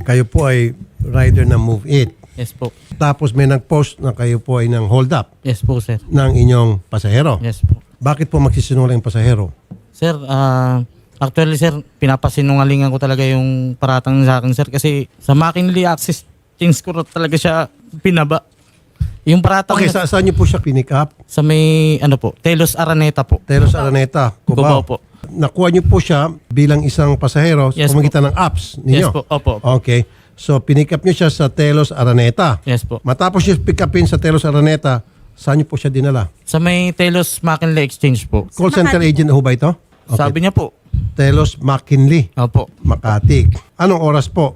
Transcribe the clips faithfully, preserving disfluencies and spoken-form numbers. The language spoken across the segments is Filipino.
kayo po ay rider ng Move It. Yes po. Tapos may nag-post na kayo po ay ng hold up Yes po, sir. ng inyong pasahero. Yes po. Bakit po magsisinungaling ang pasahero? Sir, ah... actually, sir, pinapasinungalingan ko talaga yung paratang sa akin, sir. Kasi sa McKinley Access Change ko talaga siya pinaba. Yung paratang Okay, na- sa saan niyo po siya pinick up? sa may, ano po, Telos Araneta po. Telos Araneta, Cubao Cubao. po. Nakuha niyo po siya bilang isang pasahero Yes sa pamagitan ng apps ninyo. Yes po, opo, opo. Okay. So, pinick up niyo siya sa Telos Araneta. Yes po. Matapos niyo pick upin sa Telos Araneta, saan niyo po siya dinala? Sa may Telos McKinley Exchange po. Call center agent na ho ba ito? Okay. Sabi niya po. Telos McKinley, Opo. Makati. Anong oras po?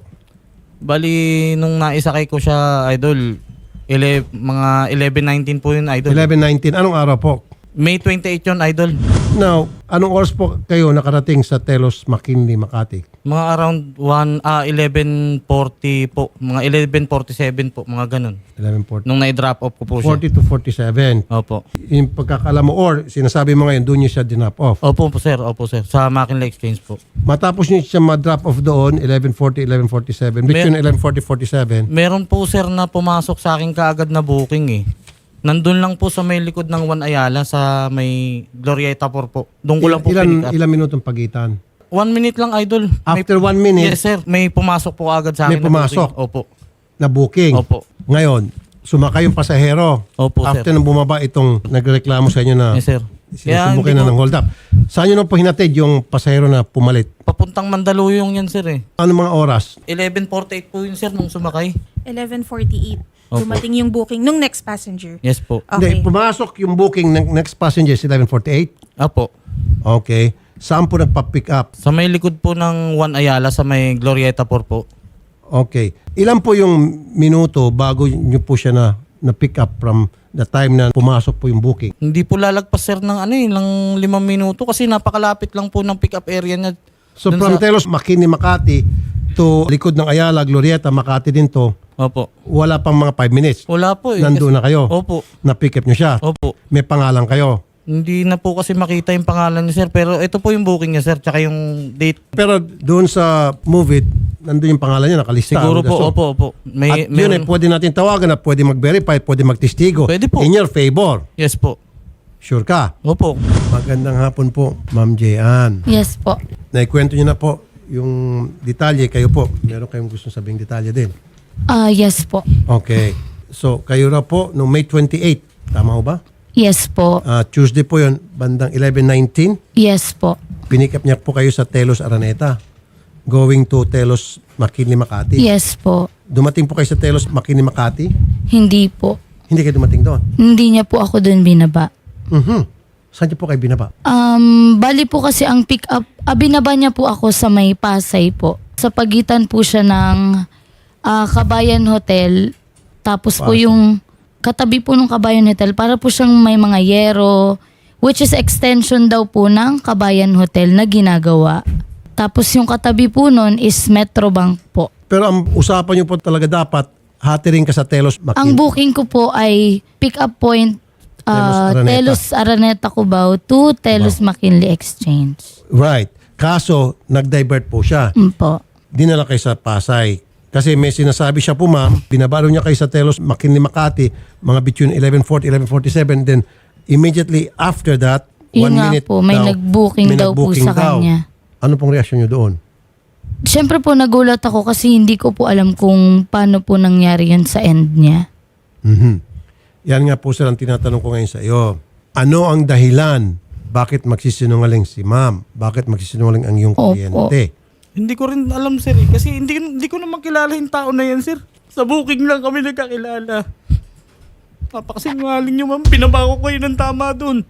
Bali, nung naisakay ko siya, idol, ele, mga eleven nineteen po yun, idol. eleven nineteen. Anong araw po? May twenty-eight yun, idol. Now, anong oras po kayo nakarating sa Telos McKinley, Makati? Mga around one, ah, eleven forty po. Mga eleven forty-seven po, mga ganun. eleven forty. Nung na-drop off ko po siya. forty to forty-seven. Opo. Yung pagkakala mo or sinasabi mo ngayon, doon niyo siya dinap off. Opo po, sir. Opo, sir. Sa McKinley Exchange po. Matapos niyo siya ma-drop off doon, eleven forty, eleven forty-seven. Between eleven forty, forty-seven. Meron po, sir, na pumasok sa akin kaagad na booking eh. Nandun lang po sa may likod ng One Ayala sa may Glorieta por po. Doon ko lang po ilan, pinick up. ilang minutong pagitan? One minute lang, idol. May, After one minute, yes, sir. May pumasok po agad sa akin. May na pumasok? booking. Opo. na booking. Opo. Ngayon, sumakay yung pasahero. Opo, After sir. nang bumaba itong nagreklamo sa inyo na Yes, sir. sinusubukin na hindi ng ko- hold up. Saan nyo na po hinatid yung pasahero na pumalit? Papuntang Mandaluyong yan, sir eh. Ano mga oras? eleven forty-eight po yun, sir, nung sumakay. eleven forty-eight. Opo. Dumating yung booking nung next passenger. Yes po. Okay. Hindi, pumasok yung booking ng next passenger is eleven forty-eight. Opo. Okay. Saan po nagpa-pick up? Sa may likod po ng One Ayala sa may Glorieta por po. Okay. Ilan po yung minuto bago nyo po siya na na-pick up from the time na pumasok po yung booking? Hindi po lalagpas, sir, ng ano eh, ng limang minuto kasi napakalapit lang po ng pick-up area niya. So Dun from sa- Telos, McKinney, Makati to likod ng Ayala, Glorieta, Makati din to, Opo. wala pang mga five minutes. Wala po eh. Nandun na kayo. Opo. Na-pick up nyo siya. Opo. May pangalan kayo. Hindi na po kasi makita yung pangalan niya, sir. Pero ito po yung booking niya, sir. Tsaka yung date. Pero doon sa Move It, nandun yung pangalan niya, nakalista. Siguro po, So, opo, opo. May, At yun eh, meron- pwede natin tawagan na pwede mag-verify, pwede magtestigo. Pwede po. In your favor. Yes po. Sure ka? Opo. Magandang hapon po, Ma'am Jean. Yes po. Naikwento niyo na po yung detalye. Kayo po, meron kayong gusto sabing detalye din. Ah, yes po. Okay. So, kayo na po, no May twenty-eight. Tama ho ba? Yes po. Ah, Tuesday po yun, bandang eleven nineteen. Yes po. Pinikap niya po kayo sa Telos Araneta. Going to Telos McKinley, Makati. Yes po. Dumating po kayo sa Telos McKinley, Makati. Hindi po. Hindi kayo dumating doon. Hindi niya po ako doon binaba. Mhm. Saan niyo po kayo binaba? Um, bali po kasi ang pick up, ah, binaba niya po ako sa may Pasay po. Sa pagitan po siya ng ah, Kabayan Hotel. Tapos po Pasay. yung katabi po ng Kabayan Hotel, para po siyang may mga yero, which is extension daw po ng Kabayan Hotel na ginagawa. Tapos yung katabi po nun is Metrobank po. Pero ang usapan niyo po talaga dapat, hatirin ka sa Telos Ang McKinley. booking ko po ay pick up point Telos uh, Araneta. Telos Araneta Cubao to Telos McKinley Exchange. Right. Kaso, nag-divert po siya. Mm po. Dinala kayo sa Pasay. Kasi may sinasabi siya po, ma'am, binabaro niya kayo sa Telos McKinley, Makati, mga between eleven forty, eleven forty-seven. Then, immediately after that, Yun one nga minute po, may daw, nag-booking may daw po nag-booking sa daw. kanya. Ano pong reaksyon niyo doon? Siyempre po nagulat ako kasi hindi ko po alam kung paano po nangyari yun sa end niya. Mhm. Yan nga po sir ang tinatanong ko ngayon sa iyo. Ano ang dahilan? Bakit magsisinungaling si ma'am? Bakit magsisinungaling ang iyong Opo. kliyente? Hindi ko rin alam, sir eh. Kasi hindi, hindi ko naman kilala yung tao na yan, sir. Sa booking lang kami nagkakilala. Napakasinungaling nyo, ma'am. Pinabako ko yun ng tama dun.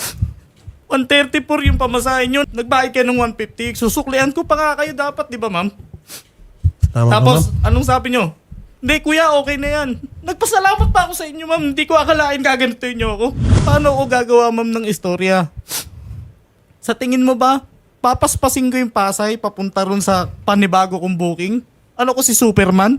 one thirty-four yung pamasahin nyo. Nagbayad kayo ng one fifty. Susuklian ko pa nga kayo dapat, di ba, ma'am? Tama ba, Tapos, ma'am? anong sabi nyo? Hindi, kuya, okay na yan. Nagpasalamat pa ako sa inyo, ma'am. Hindi ko akalain gaganituin nyo ako. Paano ako gagawa, ma'am, ng istorya? Sa tingin mo ba, papaspasin ko yung Pasay papunta ron sa panibago kong booking? Ano ko si Superman?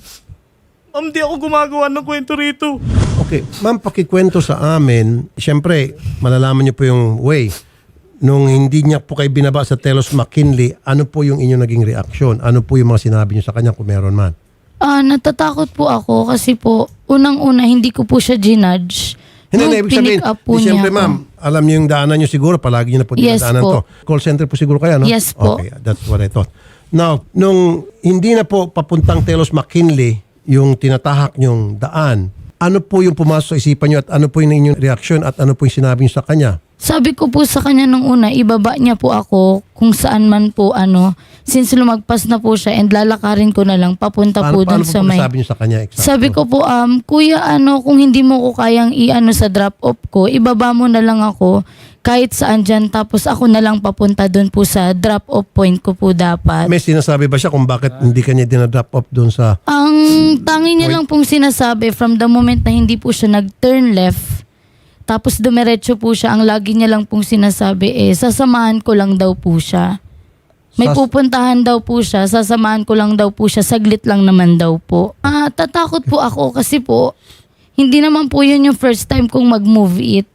Ma'am, di ako gumagawa ng kwento rito. Okay, ma'am, pakikwento sa amin. Siyempre, malalaman niyo po yung way. nung hindi niya po kayo binaba sa Telos McKinley, ano po yung inyong naging reaksyon? Ano po yung mga sinabi niyo sa kanya kung meron man? Ah, natatakot po ako kasi po, unang-una, hindi ko po siya ginudge. Hindi Nung na, ibig sabihin, pinick up po di, niya siyempre ako. ma'am, alam niyo yung daanan niyo siguro, palagi niyo na po Yes dinadaanan po. to. Call center po siguro kayo, no? Yes po. Okay, that's what I thought. Now, nung hindi na po papuntang Telos McKinley, yung tinatahak niyong daan, ano po yung pumasok sa isipan niyo at ano po yung inyong reaksyon at ano po yung sinabi niyo sa kanya? Sabi ko po sa kanya nung una, ibaba niya po ako kung saan man po ano, since lumagpas na po siya and lalakarin ko na lang papunta Paano, po paano dun po sa po may... sabi niyo sa kanya? Exactly? Sabi ko po, um, kuya ano, kung hindi mo ko kayang i-ano sa drop-off ko, ibaba mo na lang ako kahit saan dyan, tapos ako na lang papunta dun po sa drop-off point ko po dapat. May sinasabi ba siya kung bakit hindi kanya dinadrop off doon sa... Ang tangi niya lang pong sinasabi from the moment na hindi po siya nag-turn left, tapos dumiretso po siya, ang lagi niya lang pong sinasabi eh, sasamahan ko lang daw po siya. May Sas- pupuntahan daw po siya, sasamahan ko lang daw po siya, saglit lang naman daw po. Ah, tatakot po ako kasi po, hindi naman po yun yung first time kong mag-move it.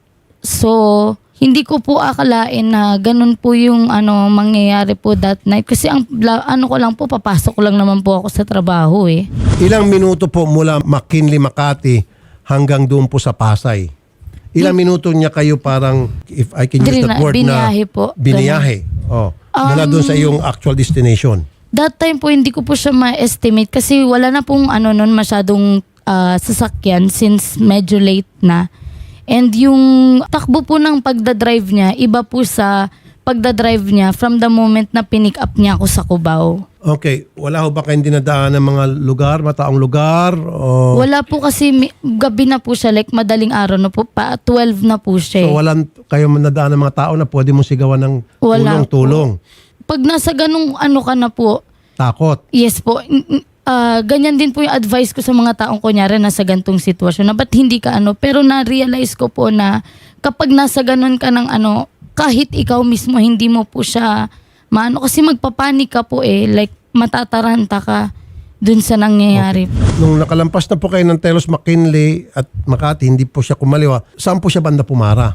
So, hindi ko po akalain na ganun po yung ano mangyayari po that night. Kasi ang la- ano ko lang po, papasok ko lang naman po ako sa trabaho eh. Ilang minuto po mula McKinley, Makati hanggang doon po sa Pasay? Ilang minuto niya kayo parang, if I can use Drina- that word biniyahe na... po. Biniyahe. Oh. Mula doon sa iyong actual destination. That time po hindi ko po siya ma-estimate kasi wala na pong ano nun masyadong ah, sasakyan since medyo late na. And yung takbo po ng pagdadrive niya, iba po sa pagdadrive niya from the moment na pinick up niya ako sa Cubao. Okay. Wala ho ba kayong dinadaan ng mga lugar, mataong lugar? O... Wala po kasi mi- gabi na po siya, like madaling araw na po, pa twelve na po siya. So eh. walang kayo nadaan ng mga tao na pwede mong sigawan ng Wala tulong-tulong? Pag nasa ganung ano ka na po, Takot? yes po, n- n- ah, ganyan din po yung advice ko sa mga taong kunyari nasa gantong sitwasyon na ba't hindi ka ano. Pero na-realize ko po na kapag nasa ganun ka ng ano, kahit ikaw mismo hindi mo po siya maano. Kasi magpapanik ka po eh, like matataranta ka dun sa nangyayari. Nung nakalampas na po kayo ng Telos McKinley at Makati, hindi po siya kumaliwa. Saan po siya banda pumara?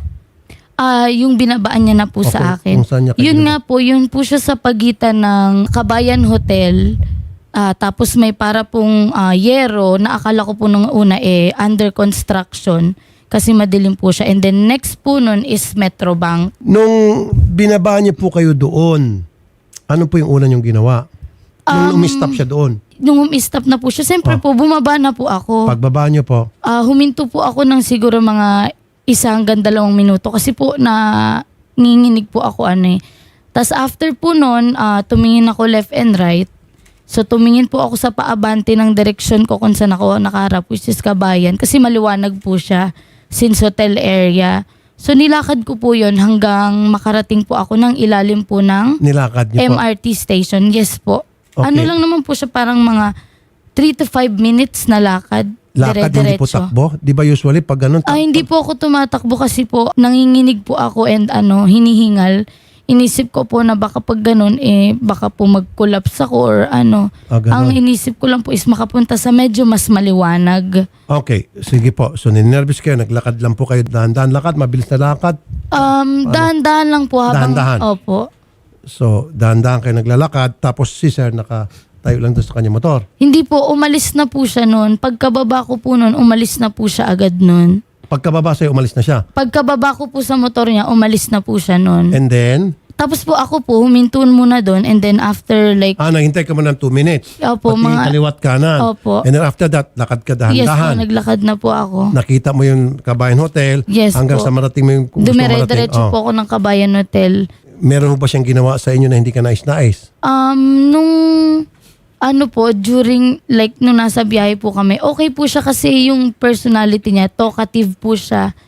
Ah, yung binabaan niya na po Okay, sa akin. kung saan niya kayo Yun binaba- nga po, yun po siya sa pagitan ng Kabayan Hotel. Ah, tapos may para pong ah, yero na akala ko po nung una eh under construction kasi madilim po siya. And then next po nun is Metrobank. Nung binaba niyo po kayo doon, ano po yung una niyong ginawa? Nung Um, umistop siya doon, Nung umi-stop na po siya, siyempre Oh. po bumaba na po ako. pagbaba niyo po, Ah, huminto po ako ng siguro mga isa hanggang dalawang minuto kasi po na nginginig po ako ano eh. Tapos after po nun, ah, tumingin ako left and right. So tumingin po ako sa paabante ng direksyon ko kung saan ako nakaharap, which is Kabayan. Kasi maliwanag po siya since hotel area. So nilakad ko po yon hanggang makarating po ako ng ilalim po ng nilakad niyo po. M R T station. Yes po. Okay. Ano lang naman po siya, parang mga three to five minutes na lakad. Lakad, hindi po dire-diretso. takbo? Di ba usually pag ganun? Ah, hindi po ako tumatakbo kasi po nanginginig po ako and ano, hinihingal. Inisip ko po na baka pag ganun eh baka po mag-collapse ako or ano. Ah, ganun. Ang inisip ko lang po is makapunta sa medyo mas maliwanag. Okay, sige po. So ninervous kayo, naglakad lang po kayo, dahan-dahan lakad, mabilis na lakad. Um, dahan-dahan lang po habang Dahan-dahan. opo. So dahan-dahan kayo naglalakad, tapos si sir nakatayo lang doon sa kanya motor. Hindi po, umalis na po siya noon. Pagkababa ko po noon, umalis na po siya agad noon. Pagkababa sa'yo, umalis na siya. Pagkababa ko po sa motor niya, umalis na po siya noon. And then, Tapos po ako po, humintun muna doon and then after like, ah, naghintay ka mo ng two minutes. Opo, Pati mga- kaliwat kanan. Opo. And then after that, lakad ka yes po, dahan-dahan. naglakad na po ako. Nakita mo yung Kabayan Hotel Yes hanggang po. sa marating mo yung kung gusto marating. Dumire-diretso Oh. po ako ng Kabayan Hotel. Meron mo ba siyang ginawa sa inyo na hindi ka nais-nais? Um, nung ano po, during like nung nasa biyahe po kami, okay po siya kasi yung personality niya, talkative po siya.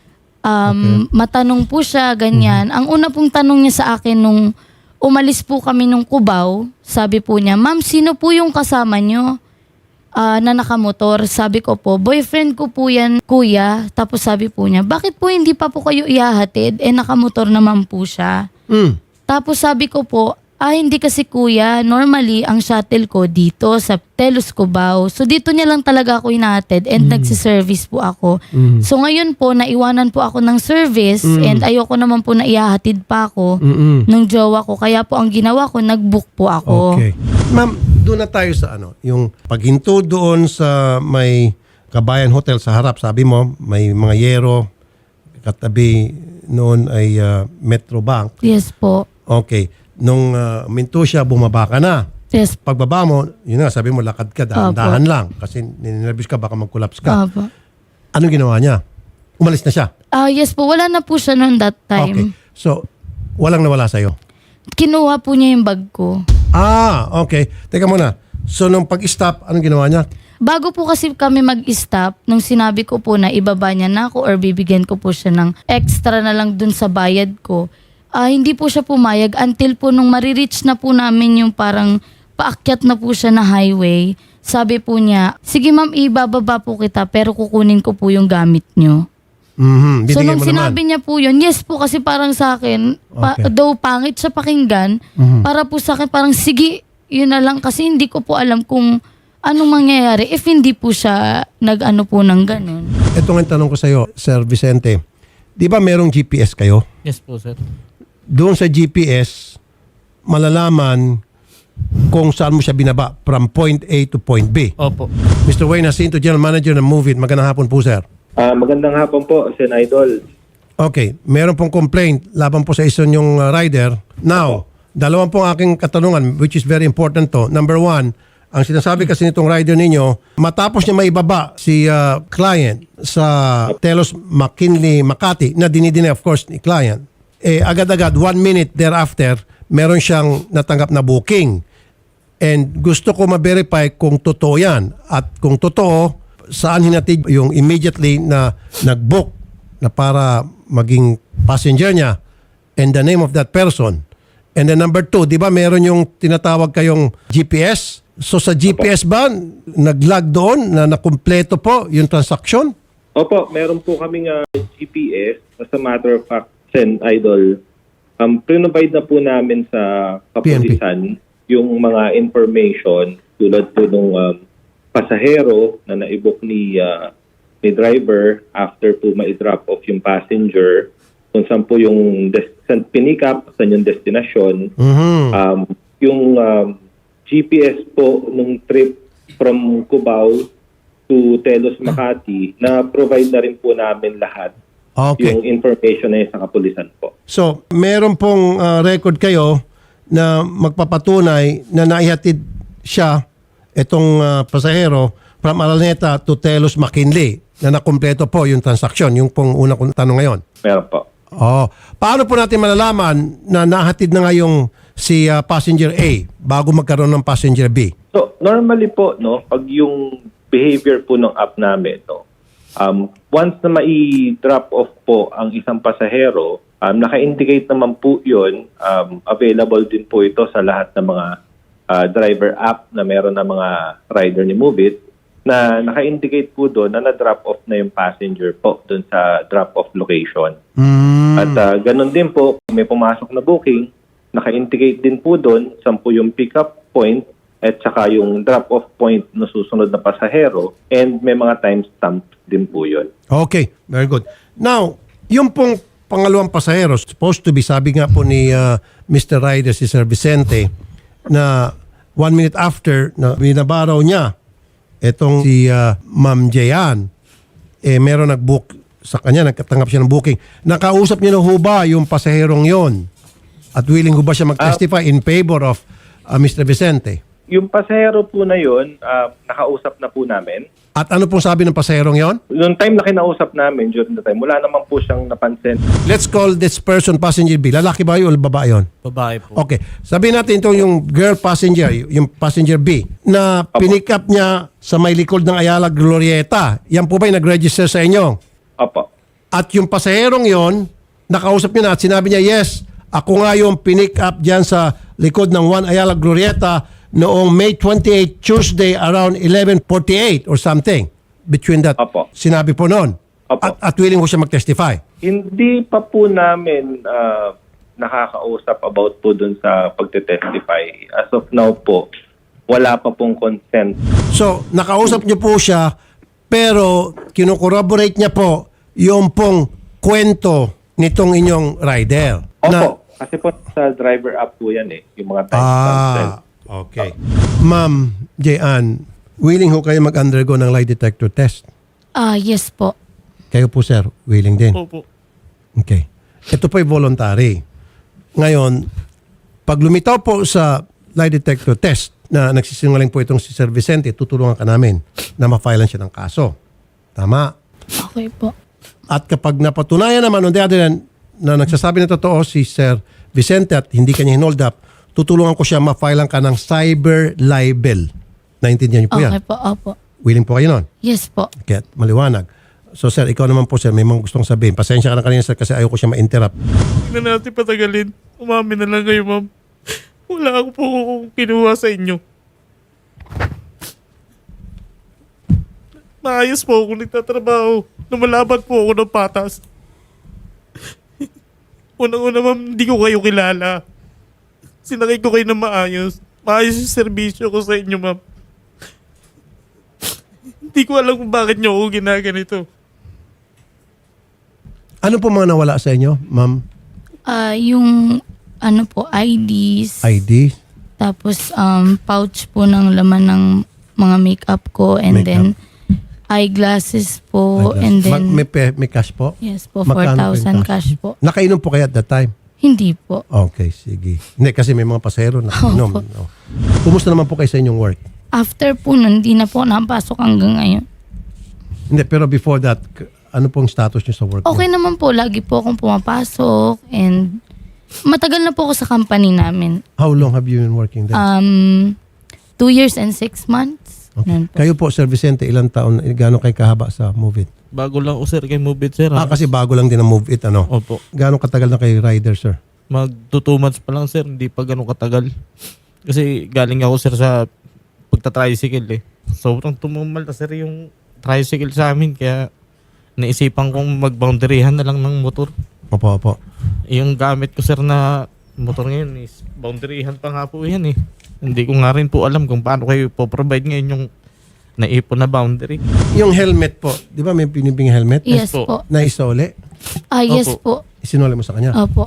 Um, matanong po siya, ganyan. Ang una pong tanong niya sa akin nung umalis po kami nung Cubao, sabi po niya, "Ma'am, sino po yung kasama niyo?" Ah, na nakamotor. Sabi ko po, boyfriend ko po yan, kuya. Tapos sabi po niya, bakit po hindi pa po kayo ihahatid? Eh, nakamotor naman po siya. Hmm. Tapos sabi ko po, Ah, hindi kasi kuya. Normally, ang shuttle ko dito sa Telos Cubao. So dito niya lang talaga ako hinahatid and nagsiservice po ako. So ngayon po, naiwanan po ako ng service and ayoko naman po na ihahatid pa ako Mm-mm. ng jowa ko. Kaya po ang ginawa ko, nag-book po ako. Okay. Ma'am, doon na tayo sa ano, yung paghinto doon sa may Kabayan Hotel sa harap. Sabi mo, may mga yero, katabi noon ay ah, Metro Bank. Yes po. Okay. Nung uh, minto siya, bumaba ka na. Yes po. Pagbaba mo, yun nga, sabi mo, lakad ka, dahan-dahan lang. Kasi ninervous ka, baka mag-collapse ka. Opo. Anong ginawa niya? Umalis na siya. Ah, yes po. Wala na po siya noon that Okay. time. So, walang nawala sa'yo. Kinuha po niya yung bag ko. Ah, okay. Teka muna. So, nung pag-stop, anong ginawa niya? Bago po kasi kami mag-stop, nung sinabi ko po na ibaba niya na ako or bibigyan ko po siya ng extra na lang dun sa bayad ko, ah, hindi po siya pumayag until po nung marireach na po namin yung parang paakyat na po siya na highway. Sabi po niya, sige ma'am, ibababa po kita pero kukunin ko po yung gamit niyo. Mhm. So Binigay nung mo sinabi naman. niya po yun, yes po kasi parang sa akin, pa, Okay. though pangit siya pakinggan, Mhm. para po sa akin parang sige, yun na lang kasi hindi ko po alam kung anong mangyayari if hindi po siya nag-ano po ng ganun. Ito nga yung tanong ko sa'yo, Sir Vicente. Di ba merong G P S kayo? Yes po, sir. Doon sa G P S, malalaman kung saan mo siya binaba from point A to point B. Opo. Mister Wayne Jacinto, General Manager ng Move It. Magandang hapon po, sir. Ah, magandang hapon po, Sen Idol. Okay, meron pong complaint laban po sa isa yung rider. Now, dalawang pong aking katanungan which is very important to. Number one, ang sinasabi kasi nitong rider ninyo, matapos niya maibaba si ah, client sa Telos McKinley Makati, na dinidinay of course ni client, eh agad-agad, one minute thereafter, meron siyang natanggap na booking. And gusto ko ma-verify kung totoo yan. At kung totoo, saan hinatid yung immediately na nag-book na para maging passenger niya and the name of that person. And then number two, di ba meron yung tinatawag kayong G P S? So sa G P S ba, nag-log doon na nakumpleto po yung transaction? Opo, meron po kaming ah, G P S. As a matter of fact, Sen Idol, um, pre-provide na po namin sa kapulisan yung mga information tulad po nung um, pasahero na naibok ni, ah, ni driver after po ma-drop off yung passenger, kung saan po yung des- saan pinick up, saan yung destination, Mhm. um, yung um, G P S po nung trip from Cubao to Telos Makati, na provide na rin po namin lahat Okay. yung information na yun sa kapulisan po. So, meron pong ah, record kayo na magpapatunay na naihatid siya, itong ah, pasahero, from Araneta to Telos McKinley, na nakumpleto po yung transaksyon, yung pong unang kong tanong ngayon. Meron po. Oh, paano po natin malalaman na nahatid na nga yung si ah, passenger A bago magkaroon ng passenger B? So, normally po, no, pag yung behavior po ng app namin, no, um, once na mai-drop off po ang isang pasahero, um, naka-indicate naman po yun, um, available din po ito sa lahat ng mga ah, driver app na meron ng mga rider ni Move It, na naka-indicate po doon na na-drop off na yung passenger po doon sa drop-off location. Mm. At ah, ganun din po, kung may pumasok na booking, naka-indicate din po doon saan po yung pick-up point at saka yung drop-off point na susunod na pasahero, and may mga timestamp din po yun. Okay, very good. Now, yung pong pangalawang pasahero, supposed to be, sabi nga po ni ah, Mister Ryder, si Sir Vicente, na one minute after na binabaraw niya itong si ah, Ma'am Jayan, eh meron nag-book sa kanya, nagkatanggap siya ng booking. Nakausap niyo na ho ba yung pasaherong yon? At willing ho ba siya mag-testify in favor of ah, Mister Vicente? Yung pasahero po na yun, ah, nakausap na po namin. At ano pong sabi ng pasaherong yon? Noong time na kinausap namin, during the time, wala naman po siyang napansin. Let's call this person passenger B. Lalaki ba yun o babae yun? Babae po. Okay. Sabihin natin ito yung girl passenger, yung passenger B, na pinick up niya sa may likod ng Ayala Glorieta. Yan po ba yung nag-register sa inyo? Opo. At yung pasaherong yon, nakausap niyo na at sinabi niya, yes, ako nga yung pinick up dyan sa likod ng one Ayala Glorieta noong May twenty-eighth, Tuesday, around eleven forty-eight or something. Between that, Opo. sinabi po noon. Opo. At, at willing ko siya mag-testify. Hindi pa po namin ah, nakakausap about po dun sa pagte-testify. As of now po, wala pa pong consent. So, nakausap niyo po siya, pero kinocorroborate niya po yung pong kwento nitong inyong rider. Opo, kasi po sa driver app po yan eh, yung mga timestamps. Ah, okay. Ma'am Jean, willing ho kayo mag-undergo ng lie detector test? Ah, yes po. Kayo po, sir, willing din? Opo. Okay. Ito po ay voluntary. Ngayon, pag lumitaw po sa lie detector test na nagsisinungaling po itong si Sir Vicente, tutulungan ka namin na ma-filean siya ng kaso. Tama? Okay po. At kapag napatunayan naman on the other hand, na nagsasabi na totoo si Sir Vicente at hindi kanya hinold up, tutulungan ko siya ma-filean ka ng cyber libel. Naintindihan niyo po yan? Okay po, opo. Willing po kayo nun? Yes po. Kaya maliwanag. So sir, ikaw naman po sir, may mga gustong sabihin. Pasensya ka na kanina sir kasi ayoko siya ma-interrupt. Hindi na natin patagalin. Umamin na lang kayo, ma'am. Wala ako po kinuha sa inyo. Maayos po ako nagtatrabaho. Lumalaban po ako ng patas. Unang-una, ma'am, hindi ko kayo kilala. Sinakay ko kayo ng maayos. Maayos yung serbisyo ko sa inyo, ma'am. Hindi ko alam kung bakit nyo ako ginaganito. Ano po mga nawala sa inyo, ma'am? Ah, yung ano po, I Ds. I D? Tapos um, pouch po ng laman ng mga makeup ko and Makeup. then eyeglasses po and Ma- then may, pe- may cash po? yes po, Magkano po four yung thousand cash po. Nakainom po kayo at that time? Hindi po. Okay, sige. Hindi, kasi may mga pasahero na inom. Opo. No. Kumusta naman po kayo sa inyong work? After po nun, hindi na po napasok hanggang ngayon. Hindi, pero before that, k- ano pong status niyo sa work? Okay niyo? naman po, lagi po akong pumapasok and matagal na po ako sa company namin. How long have you been working there? Um, two years and six months. Ganun po. Kayo po, Sir Vicente, ilang taon, gano'ng kayo kahaba sa Move It? Bago lang ako, sir, kay Move It, sir. Ah, kasi bago lang din ang Move It, ano? Opo. Gano'ng katagal na kayo rider, sir? Mag two months pa lang, sir. Hindi pa ganun katagal. Kasi galing ako, sir, sa pagta-tricycle eh. Sobrang tumumal na, sir, yung tricycle sa amin. Kaya naisipan kong mag-boundaryhan na lang ng motor. Opo, opo. Yung gamit ko, sir, na motor ngayon is boundaryhan pa nga po yan eh. Hindi ko nga rin po alam kung paano kayo po-provide ngayon yung naipon na boundary. Yung helmet po, di ba may pinibing helmet? Yes po. po. Na isole? Ah, yes Opo. po. Isinole mo sa kanya? Opo.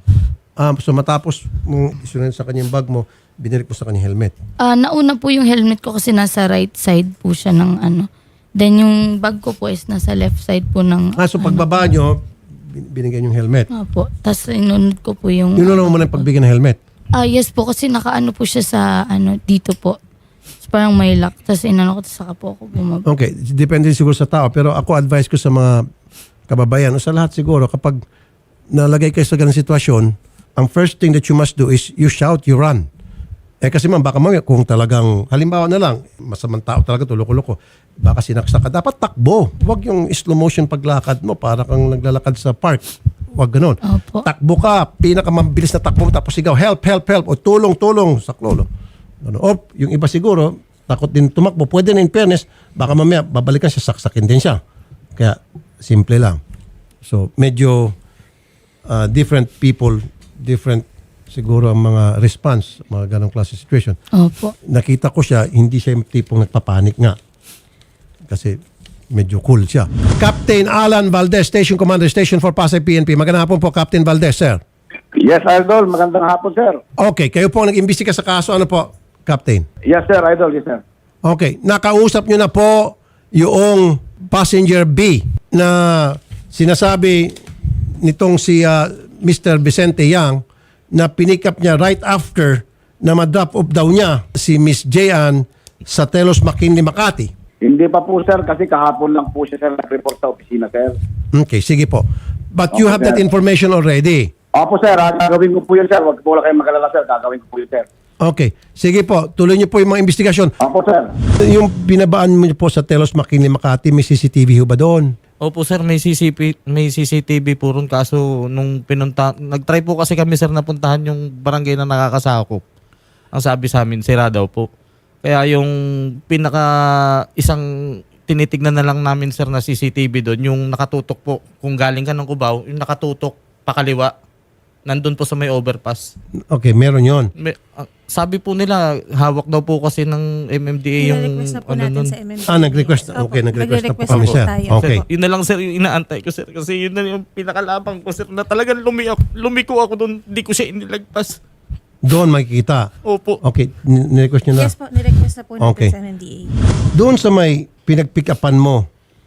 Ah, so matapos mong isunod sa kanyang bag mo, binirik mo sa kanyang helmet. Ah, nauna po yung helmet ko kasi nasa right side po siya ng ano. Then yung bag ko po is nasa left side po ng Ah, so ano. pagbaba nyo, bin- binigyan yung helmet. Opo. Tapos inunod ko po yung... Yun mo na yung pagbigyan ng helmet. Ah, yes po. Kasi nakaano po siya sa ano dito po. So, parang may lock. Tapos inano ko, tapos saka po ako bumaba. Okay, depende siguro sa tao. Pero ako advice ko sa mga kababayan, o sa lahat siguro, kapag nalagay kayo sa ganung sitwasyon, ang first thing that you must do is you shout, you run. Eh kasi man, baka mamaya kung talagang, halimbawa na lang, masamang tao talaga, tuloko-loko, baka sinaksak ka, dapat takbo. Huwag yung slow motion paglakad mo, para kang naglalakad sa park. Huwag ganun. Opo. Takbo ka, pinakamabilis na takbo mo, tapos sigaw, help, help, help, o tulong, tulong, saklolo. Ano, o yung iba siguro, takot din tumakbo. Pwede na in fairness, baka mamaya babalikan siya, saksakin din siya. Kaya, simple lang. So, medyo uh, different people, different siguro ang mga response, mga ganong klase situation. Opo. Nakita ko siya, hindi siya yung tipong nagpapanik nga. Kasi medyo cool siya. Captain Alan Valdez, Station Commander, Station for Pasay P N P. Magandang hapon po, Captain Valdez, sir. Yes, Idol. Magandang hapon, sir. Okay, kayo po ang nag-imbestiga sa kaso. Ano po, Captain? Yes, sir, Idol. Yes, sir. Okay, nakausap nyo na po yung passenger B na sinasabi nitong si uh, Mister Vicente Yang na pinick up niya right after na ma-drop off daw niya si Miss Jean sa Telos McKinley, Makati. Hindi pa po, sir, kasi kahapon lang po siya, sir, nag-report sa opisina, sir. Okay, sige po. But you Okay, have that sir. information already. Opo, sir. ah, Gagawin ko po yun, sir. Huwag po lang kayo magalala, sir. Gagawin ko po yun, sir. Okay, sige po. Tuloy niyo po yung mga investigasyon. Opo, sir. Yung binabaan mo po sa Telos McKinley, Makati, may C C T V ho ba doon? Opo, sir, may C C P, may C C T V po ron. Kaso nung pinunta, nag-try po kasi kami, sir, napuntahan yung barangay na nakakasakop. Ang sabi sa amin, sira daw po. Kaya yung pinaka isang tinitignan na lang namin, sir, na C C T V doon, yung nakatutok po. Kung galing ka ng Cubao, yung nakatutok pakaliwa. Nandun po sa may overpass. Okay, meron yon. May, ah, sabi po nila, hawak daw po kasi ng M M D A yung Nire-request na po ano natin nun. sa M M D A. Ah, nag-request na. Opo, Okay, nag-request na po nagre-request kami, po sir. tayo. Okay. Sir, yun na lang sir yung inaantay ko sir. Kasi yun na yung pinakalabang ko sir na talagang lumi ako, lumiko ako doon. Hindi ko siya inilagpas. Doon makikita. Opo. Okay, n- nirequest nyo na. Yes po, nirequest na po natin Okay. sa M M D A. Doon sa may pinag-pick upan mo,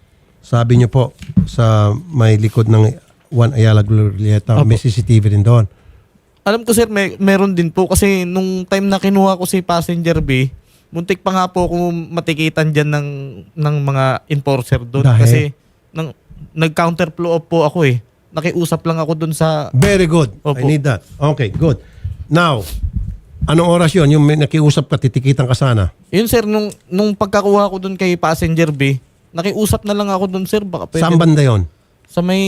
sabi nyo po, sa may likod ng Juan Ayala Glorieta, Opo. may C C T V rin doon. Alam ko sir, may, meron din po kasi nung time na kinuha ko si Passenger B, muntik pa nga po ako matikitan dyan ng, ng mga enforcer doon. Dahil? Kasi nang, nag-counterflow up po ako eh. Nakiusap lang ako doon sa... Very good. I Opo. need that. Okay, good. Now, anong oras yun? Yung may nakiusap ka, titikitan ka sana. Yun sir, nung, nung pagkakuha ko doon kay Passenger B, nakiusap na lang ako doon sir. Baka pwede Saan banda yun? sa may...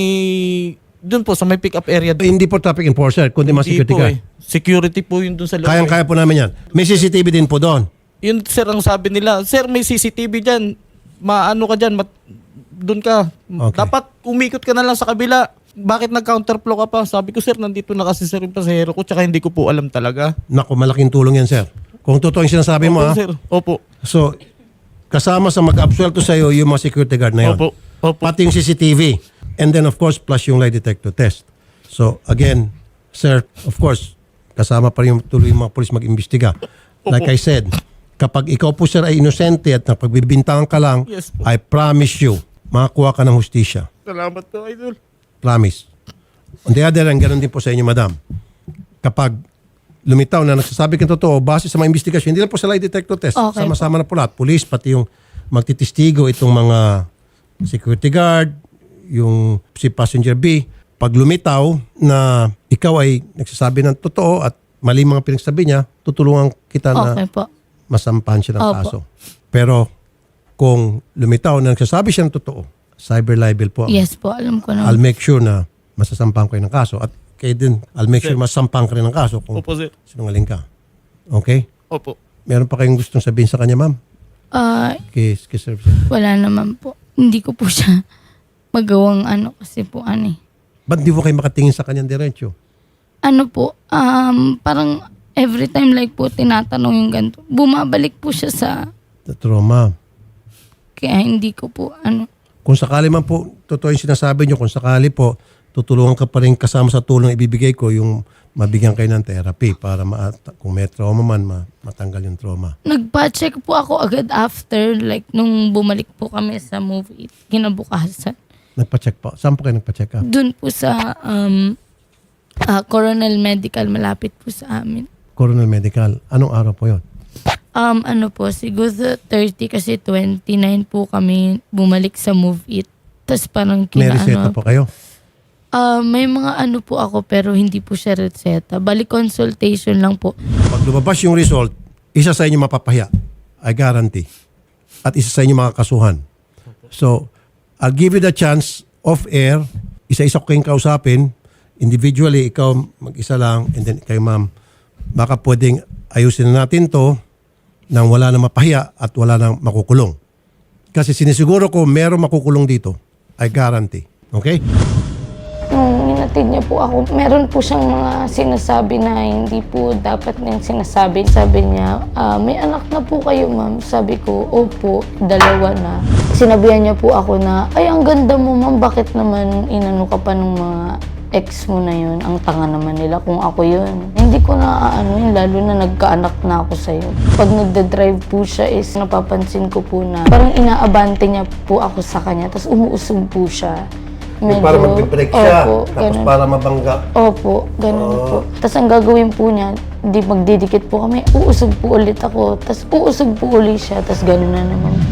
Doon po, sa may pick-up area. Hindi po traffic enforcer, kundi mga Hindi security po guard. eh. Security po yun doon sa loob. Kayang-kaya po namin yan. May C C T V din po doon. Yun sir ang sabi nila, sir may C C T V dyan, maano ka dyan, mat, doon ka. Okay. Dapat umikot ka na lang sa kabila. Bakit nag-counterflow ka pa? Sabi ko sir, nandito na kasi sir yung pasahero ko, tsaka hindi ko po alam talaga. Naku, malaking tulong yan, sir. Kung totoo yung sinasabi mo, Opo ha? sir, opo. So, kasama sa mag-absuelto sa'yo yung mga security guard na yun. Opo, opo. Pati yung C C T V. And then, of course, plus yung lie detector test. So, again, sir, of course, kasama pa rin yung tuloy yung mga polis mag-imbestiga. Like I said, kapag ikaw po, sir, ay inosente at napagbibintangan ka lang, Yes po. I promise you, makakuha ka ng hustisya. Salamat po, idol. Promise. On the other hand, ganun din po sa inyo, madam. Kapag lumitaw na nagsasabi kang totoo, base sa mga investigasyon, hindi lang po sa lie detector test, Okay sama-sama na po lahat. Police, pati yung magtitistigo, itong mga security guard, yung si Passenger B, pag lumitaw na ikaw ay nagsasabi ng totoo at mali mga pinagsabi niya, tutulungan kita na Okay po. masampahan siya ng Opo. kaso. Pero kung lumitaw na nagsasabi siya ng totoo, cyber libel po. Yes po, alam ko I'll na. make sure na masasampahan ko kayo ng kaso. At kayo din, I'll make sure masasampahan ka rin ng kaso kung Opo sir, sinungaling ka. Okay? opo. Meron pa kayong gustong sabihin sa kanya, ma'am? Ah, Kay, kay Sir. wala naman po. Hindi ko po siya magawang ano kasi po ano eh. Ba't di po kayo makatingin sa kanyang diretsyo? Ano po, um, parang every time like po tinatanong yung ganito, bumabalik po siya sa, The trauma. kaya hindi ko po ano. Kung sakali man po, totoo yung sinasabi nyo, kung sakali po, tutulungan ka pa rin kasama sa tulong na ibibigay ko yung mabigyan kayo ng therapy para ma- kung may trauma man, ma- matanggal yung trauma. Nagpa-check po ako agad after, like nung bumalik po kami sa movie, kinabukasan. Nagpa-check po. Saan po kayo nagpa-check up? Doon po sa um, ah, Coronel Medical, malapit po sa amin. Coronel Medical. Anong araw po yun? Um, ano po, siguro thirty kasi twenty-nine po kami bumalik sa Move It. Tapos parang May kina reseta ano, po kayo? ah, may mga ano po ako pero hindi po siya reseta. Balik consultation lang po. Pag lumabas yung result, isa sa inyo mapapahiya. I guarantee. At isa sa inyo makakasuhan. So, I'll give you the chance off air. Isa-isa ko kayong kausapin. Individually, ikaw mag-isa lang. And then kayo, ma'am, baka pwedeng ayusin na natin to nang wala na mapahiya at wala na makukulong. Kasi sinisiguro ko meron makukulong dito. I guarantee. Okay? Nung minatid niya po ako, meron po siyang mga sinasabi na hindi po dapat niyang sinasabi. Sabi niya, "Ah, may anak na po kayo ma'am." Sabi ko, opo, dalawa na. Sinabihan niya po ako na, ay ang ganda mo ma'am, bakit naman inano ka pa ng mga ex mo na yun? Ang tanga naman nila kung ako yun. Hindi ko na ano yun, lalo na nagkaanak na ako sa'yo. Pag nagda-drive po siya is napapansin ko po na parang inaabante niya po ako sa kanya, tapos umuusog po siya. para magbe-break siya. Opo, tapos ganun. para mabangga. Opo, ganun po. Tapos ang gagawin po niya, di magdidikit po kami, uusog po ulit ako, tapos uusog po ulit siya, tapos ganun na naman